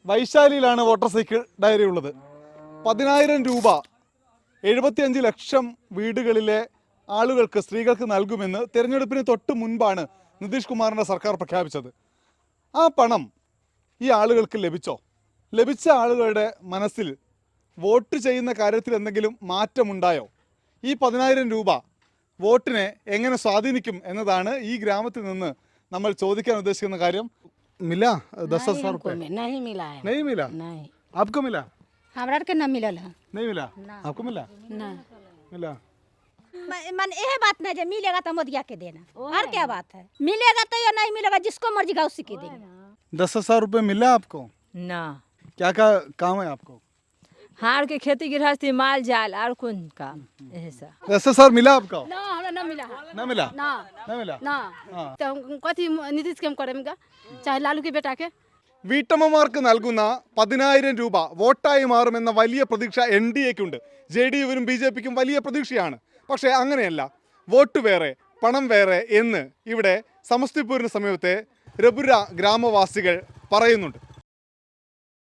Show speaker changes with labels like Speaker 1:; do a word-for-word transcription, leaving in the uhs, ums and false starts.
Speaker 1: വൈശാലിയിലാണ് voter cycle diary ഉള്ളത്. പതിനായിരം രൂപ എഴുപത്തിയഞ്ച് ലക്ഷം വീടുകളിലെ ആളുകൾക്ക്, സ്ത്രീകൾക്ക് നൽകുമെന്ന് തിരഞ്ഞെടുപ്പിന് തൊട്ട് മുൻപാണ് നിതീഷ് കുമാറിൻ്റെ സർക്കാർ പ്രഖ്യാപിച്ചത്. ആ പണം ഈ ആളുകൾക്ക് ലഭിച്ചോ? ലഭിച്ച ആളുകളുടെ മനസ്സിൽ വോട്ട് ചെയ്യുന്ന കാര്യത്തിൽ എന്തെങ്കിലും മാറ്റമുണ്ടായോ? ഈ പതിനായിരം രൂപ വോട്ടിനെ എങ്ങനെ സ്വാധീനിക്കും എന്നതാണ് ഈ ഗ്രാമത്തിൽ നിന്ന് നമ്മൾ ചോദിക്കാൻ ഉദ്ദേശിക്കുന്ന കാര്യം. मिला दस हजार रुपये?
Speaker 2: नहीं मिला है।
Speaker 1: नहीं मिला?
Speaker 2: नहीं,
Speaker 1: आपको मिला?
Speaker 2: हमरा के न मिलल है।
Speaker 1: नहीं मिला? आपको मिला?
Speaker 2: ना
Speaker 1: मिला?
Speaker 3: मन यह बात नहीं जो मिलेगा तो मोदिया के देना, और क्या बात है? मिलेगा तो या नहीं मिलेगा, जिसको मर्जी का उसी के देंगे।
Speaker 1: दस हजार रुपये मिला आपको?
Speaker 4: ना,
Speaker 1: क्या क्या काम है आपको?
Speaker 4: हार के खेती गृहस्थी माल जाल और कौन काम ऐसा।
Speaker 1: दस हजार मिला आपको?
Speaker 2: ना हमरा न मिला है।
Speaker 1: ना मिला?
Speaker 2: ना
Speaker 1: ना मिला?
Speaker 2: ना
Speaker 1: हाँ।
Speaker 2: तो कथी नीतीश के हम करेंगे, चाहे लालू के बेटा के?
Speaker 1: വീട്ടമ്മമാർക്ക് നൽകുന്ന പതിനായിരം രൂപ വോട്ടായി മാറുമെന്ന വലിയ പ്രതീക്ഷ എൻ ഡി എക്കുണ്ട്. ജെ ഡി യുവിനും ബി ജെ പിക്കും വലിയ പ്രതീക്ഷയാണ്. പക്ഷേ അങ്ങനെയല്ല, വോട്ട് വേറെ പണം വേറെ എന്ന് ഇവിടെ സമസ്തിപൂരിന് സമീപത്തെ രബുര ഗ്രാമവാസികൾ പറയുന്നുണ്ട്.